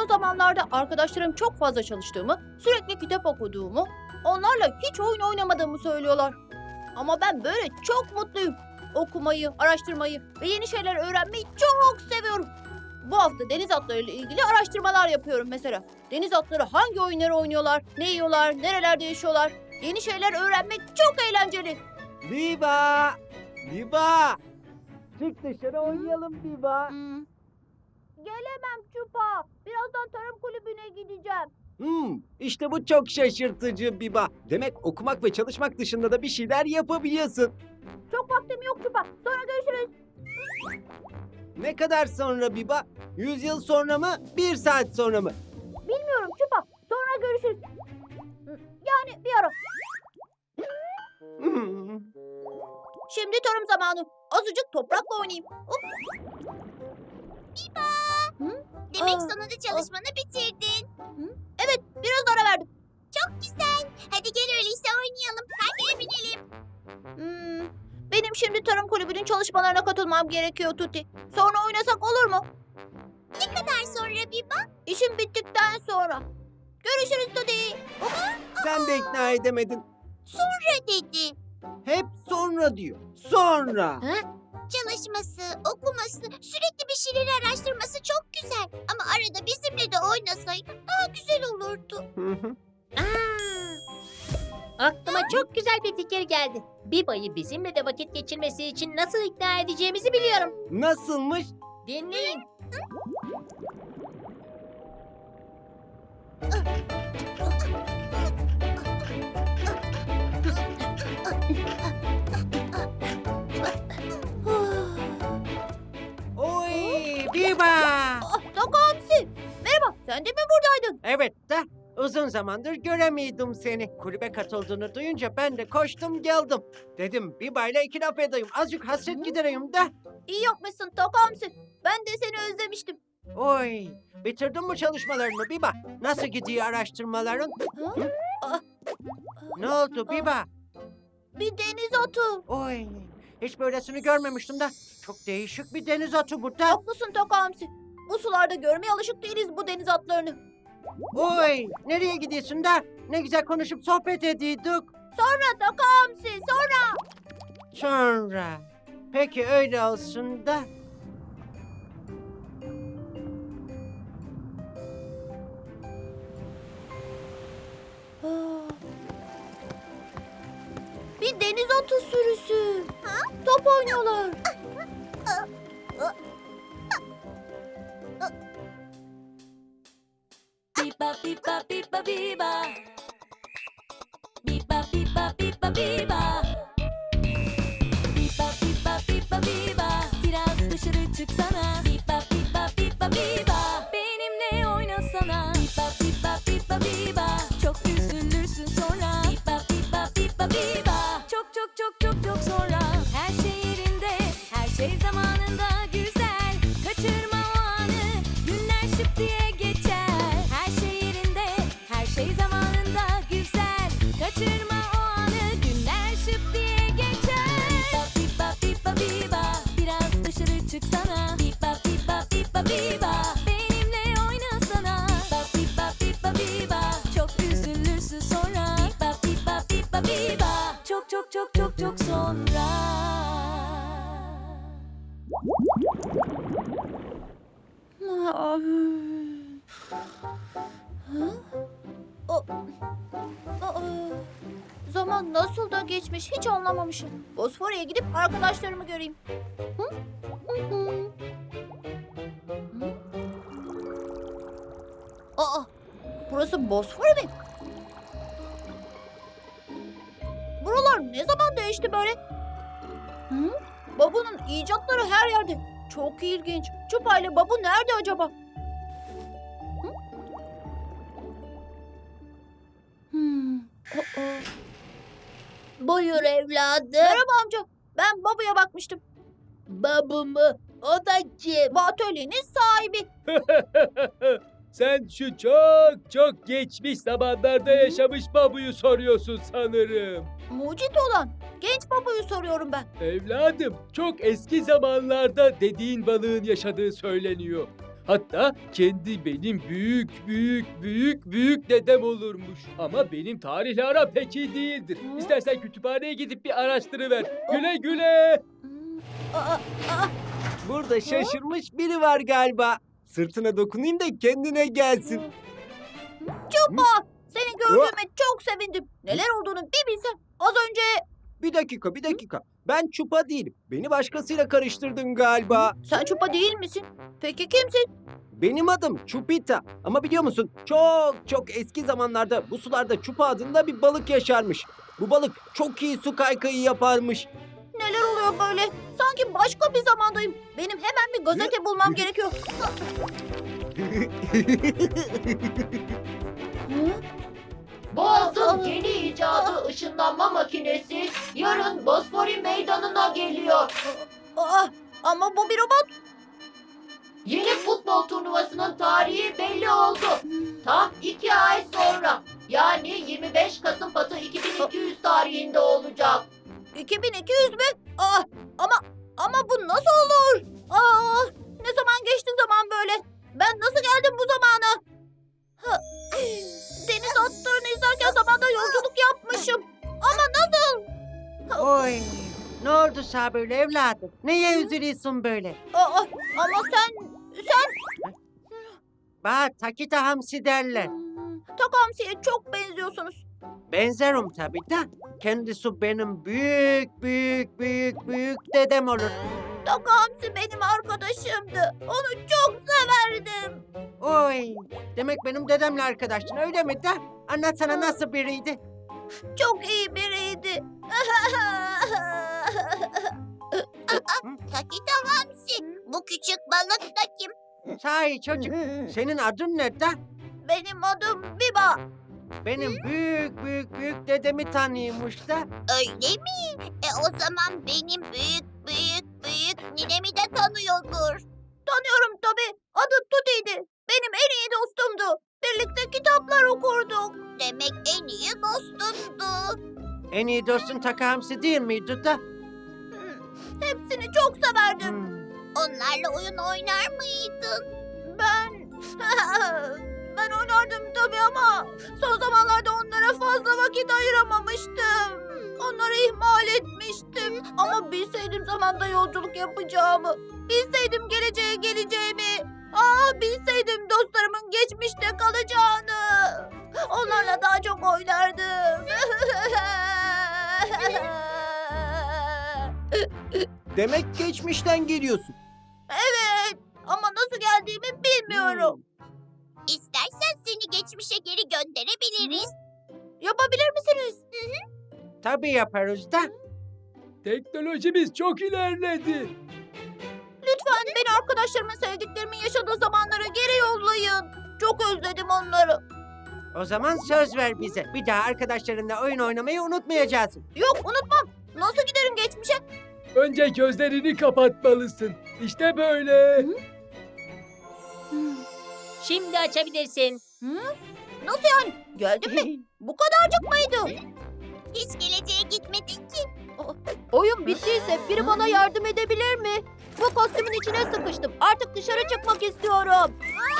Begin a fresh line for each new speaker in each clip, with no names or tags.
Son zamanlarda arkadaşlarım çok fazla çalıştığımı, sürekli kitap okuduğumu, onlarla hiç oyun oynamadığımı söylüyorlar. Ama ben böyle çok mutluyum. Okumayı, araştırmayı ve yeni şeyler öğrenmeyi çok seviyorum. Bu hafta deniz atlarıyla ilgili araştırmalar yapıyorum mesela. Deniz atları hangi oyunları oynuyorlar, ne yiyorlar, nerelerde yaşıyorlar? Yeni şeyler öğrenmek çok eğlenceli.
Biba! Biba! Çık dışarı oynayalım Biba.
Gelemem Çupa. Birazdan tarım kulübüne gideceğim.
İşte bu çok şaşırtıcı Biba. Demek okumak ve çalışmak dışında da bir şeyler yapabiliyorsun.
Çok vaktim yok Çupa. Sonra görüşürüz.
Ne kadar sonra Biba? 100 yıl sonra mı? 1 saat sonra mı?
Bilmiyorum Çupa. Sonra görüşürüz. Yani bir ara. Şimdi tarım zamanı. Azıcık toprakla oynayayım. Hop.
Demek
Aa,
sonunda çalışmanı bitirdin.
Evet, biraz ara verdim.
Çok güzel. Hadi gel öyleyse oynayalım. Hadi binelim.
Benim şimdi tarım kulübünün çalışmalarına katılmam gerekiyor Tuti. Sonra oynasak olur mu?
Ne kadar sonra Biba?
İşim bittikten sonra. Görüşürüz Tuti.
Sen de ikna edemedin.
Sonra dedi.
Hep sonra diyor. Sonra.
Çalışması, okuması, sürekli bir şeyleri araştırması çok güzel. Ama arada bizimle de oynasaydı daha güzel olurdu.
Aklıma çok güzel bir fikir geldi. Biba'yı bizimle de vakit geçirmesi için nasıl ikna edeceğimizi biliyorum.
Nasılmış?
Dinleyin.
Oy Biba!
Taka Hamsi. Merhaba, sen de mi buradaydın?
Evet de uzun zamandır göremiyordum seni. Kulübe katıldığını duyunca ben de koştum geldim. Dedim Biba'yla iki laf edeyim. Azıcık hasret gidereyim de.
İyi yapmışsın Taka Hamsi. Ben de seni özlemiştim.
Oy, bitirdin mi çalışmalarını Biba? Nasıl gidiyor araştırmaların?
Ha?
Ne oldu Biba?
Bir deniz atı.
Oy, hiç böylesini görmemiştim de. Çok değişik bir deniz atı bu da.
Haklısın Taka Hamsi. Bu sularda görmeye alışık değiliz bu deniz atlarını.
Oy, nereye gidiyorsun da? Ne güzel konuşup sohbet ediyorduk.
Sonra Taka Hamsi, sonra.
Sonra. Peki öyle olsun da.
Bir deniz atı sürüsü. Top oynuyorlar.
Biba biba biba biba. Biba biba biba biba. Biba biba biba biba. Biraz dışarı çıksana. Biba biba biba biba. Benimle oynasana. Biba biba biba biba. Çok üzülürsün sonra. Biba biba biba biba. Çok çok çok çok çok sonra. Her şey yerinde, her şey zamanında güzel. Kaçırma o anı. Günler şıp diye geçer. Her şey yerinde, her şey zamanında güzel. Kaçırma o anı. Günler şıp diye geçer. Biba biba biba biba. Biraz dışarı çıksana. Biba biba biba biba. Benimle oynasana. Biba biba biba biba. Çok üzülürsün sonra. Biba biba biba biba. Çok çok çok çok çok sonra.
Zaman nasıl da geçmiş hiç anlamamışım. Bosfor'a gidip arkadaşlarımı göreyim. Hı? Hı hı. Hı? Aa, burası Bosfor mi? Buralar ne zaman değişti böyle? Hı? Babu'nun icatları her yerde. Çok ilginç. Çupa ile Babu nerede acaba? Hı? Aa.
Buyur evladım.
Merhaba amca. Ben Babu'ya bakmıştım.
Babu mu? O da kim?
Bu atölyenin sahibi.
Sen şu çok çok geçmiş zamanlarda yaşamış babuyu soruyorsun sanırım.
Mucit olan. Genç Babu'yu soruyorum ben.
Evladım, çok eski zamanlarda dediğin balığın yaşadığı söyleniyor. Hatta kendi benim büyük dedem olurmuş. Ama benim tarihle aram pek iyi değildir. İstersen kütüphaneye gidip bir araştırıver. Güle güle.
Aa, aa,
Burada şaşırmış biri var galiba. Sırtına dokunayım da kendine gelsin.
Çupa! Seni gördüğüme çok sevindim. Neler olduğunu bir bilsen. Az önce...
Bir dakika. Ben Çupa değilim. Beni başkasıyla karıştırdın galiba.
Sen Çupa değil misin? Peki kimsin?
Benim adım Çupita. Ama biliyor musun? Çok eski zamanlarda bu sularda Çupa adında bir balık yaşarmış. Bu balık çok iyi su kaykayı yaparmış.
Neler oluyor böyle? Sanki başka bir zamandayım. Benim hemen bir gazete bulmam gerekiyor.
Boğaz'ın yeni icadı ışınlanma makinesi yarın Bosfori Meydanı'na geliyor.
Aa, ama bu bir robot.
Yeni futbol turnuvasının tarihi belli oldu. Tam 2 ay sonra yani 25 Kasım Batı 2200 tarihinde olacak.
2200 mü? Aa, ama bu nasıl olur? Aa, ne zaman geçti zaman böyle? Ben nasıl geldim bu zamana? Ha, deniz atlarını izlerken zamanda yolculuk yapmışım. Ama nasıl?
Oy, ne oldu Sabırlı evladım? Neye üzülüyorsun böyle?
Aa, ama sen...
Bana Takita Hamsi derler.
Takamsi'ye çok benziyorsunuz.
Benzerim tabii de. Kendisi benim büyük dedem olur.
Takamsi benim arkadaşımdı. Onu çok severdim.
Oy, demek benim dedemle arkadaştın öyle mi de? Anlatsana nasıl biriydi?
Çok iyi biriydi.
Takita Hamsi. Bu küçük balık da kim?
Sahi çocuk, senin adın ne de?
Benim adım Biba.
Benim büyük dedemi tanıyormuş da.
Öyle mi? O zaman benim büyük ninemi de tanıyordur.
Tanıyorum tabii. Adı Tuti'ydi. Benim en iyi dostumdu. Birlikte kitaplar okurduk.
Demek en iyi dostundu.
En iyi dostun Taka Hamsi değil miydi da?
Hepsini çok severdim.
Onlarla oyun oynar mıydın?
Ben oynardım tabii ama son zamanlarda onlara fazla vakit ayıramamıştım. Onları ihmal etmiştim. Ama bilseydim zamanda yolculuk yapacağımı, bilseydim geleceğe geleceğimi, bilseydim dostlarımın geçmişte kalacağını. Onlarla daha çok oynardım.
Demek geçmişten geliyorsun.
Evet, ama nasıl geldiğimi bilmiyorum.
İstersen seni geçmişe geri gönderebiliriz.
Yapabilir misiniz?
Tabii yaparız da.
Teknolojimiz çok ilerledi.
Lütfen beni arkadaşlarımın sevdiklerimin yaşadığı zamanlara geri yollayın. Çok özledim onları.
O zaman söz ver bize. Bir daha arkadaşlarınla oyun oynamayı unutmayacaksın.
Yok, unutmam. Nasıl giderim geçmişe?
Önce gözlerini kapatmalısın. İşte böyle.
Şimdi açabilirsin.
Nasıl yani? Geldin mi? Bu kadarcık mıydı?
Hiç geleceğe gitmedin ki.
Oyun bittiyse biri bana yardım edebilir mi? Bu kostümün içine sıkıştım. Artık dışarı çıkmak istiyorum.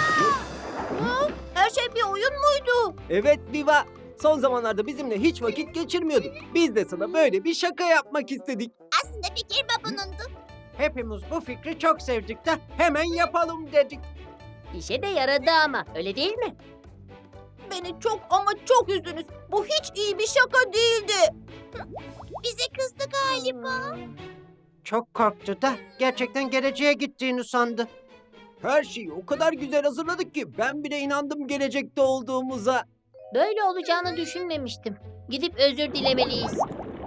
Her şey bir oyun muydu?
Evet Viva. Son zamanlarda bizimle hiç vakit geçirmiyordun. Biz de sana böyle bir şaka yapmak istedik.
Aslında fikir babunundu.
Hepimiz bu fikri çok sevdik de hemen yapalım dedik.
İşe de yaradı ama öyle değil mi?
Beni çok ama çok üzdünüz. Bu hiç iyi bir şaka değildi.
Bize kızdı galiba.
Çok korktu da gerçekten geleceğe gittiğini sandı. Her şeyi o kadar güzel hazırladık ki ben bile inandım gelecekte olduğumuza.
Böyle olacağını düşünmemiştim. Gidip özür dilemeliyiz.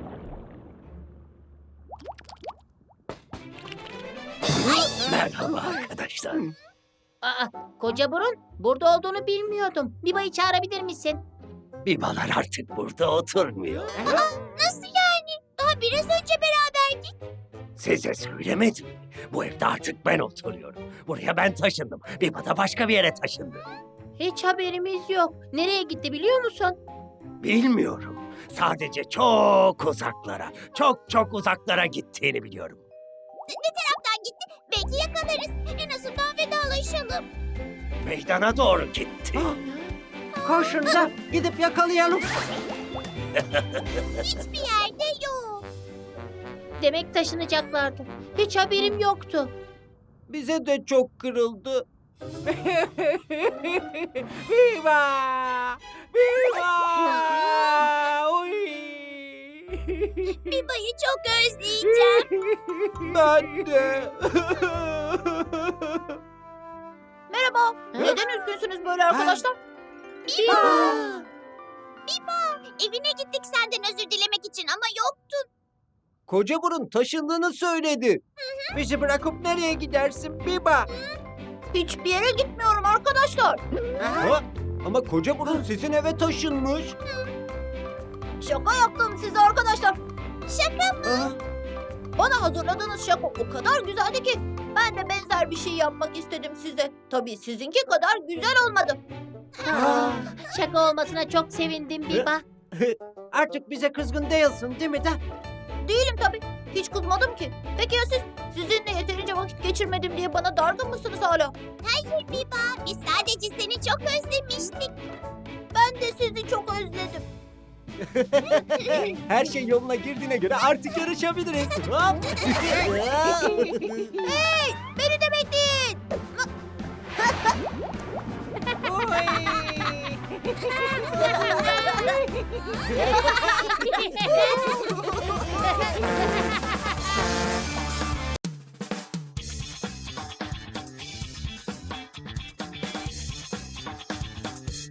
Merhaba arkadaşlar.
Aa, koca burun, burada olduğunu bilmiyordum. Biba'yı çağırabilir misin?
Bibalar artık burada oturmuyor.
Nasıl yani? Daha biraz önce beraberdik.
Size söylemedim mi? Bu evde artık ben oturuyorum. Buraya ben taşındım. Biba da başka bir yere taşındı.
Hiç haberimiz yok. Nereye gitti biliyor musun?
Bilmiyorum. Sadece çok uzaklara, çok uzaklara gittiğini biliyorum.
Ne taraftan gitti? Belki yakalarız. En azından veda Şakalaşalım.
Meydana doğru gitti.
Koşun da gidip yakalayalım.
Hiçbir yerde yok.
Demek taşınacaklardı. Hiç haberim yoktu.
Bize de çok kırıldı. Viva! Viva! Oy!
Biba'yı çok özleyeceğim.
Ben de.
Merhaba. Neden üzgünsünüz böyle arkadaşlar?
Evine gittik senden özür dilemek için ama yoktun.
Koca burun taşındığını söyledi. Bizi bırakıp nereye gidersin Biba?
Hiçbir yere gitmiyorum arkadaşlar.
Ha? Ama koca burun sizin eve taşınmış.
Şaka yaptım size arkadaşlar.
Şaka mı?
Ha?
Bana hazırladığınız şaka o kadar güzeldi ki ben de benzer bir şey yapmak istedim size. Tabii sizinki kadar güzel olmadı.
Şaka olmasına çok sevindim Biba.
Artık bize kızgın değilsin değil mi de?
Değilim tabii. Hiç kızmadım ki. Peki ya siz? Sizinle yeterince vakit geçirmedim diye bana dargın mısınız hala?
Hayır Biba. Biz sadece seni çok özlemiştik.
Ben de sizi çok özledim.
Her şey yoluna girdiğine göre artık yarışabiliriz. Hop.
Hey! Beni de bekleyin.
Oy.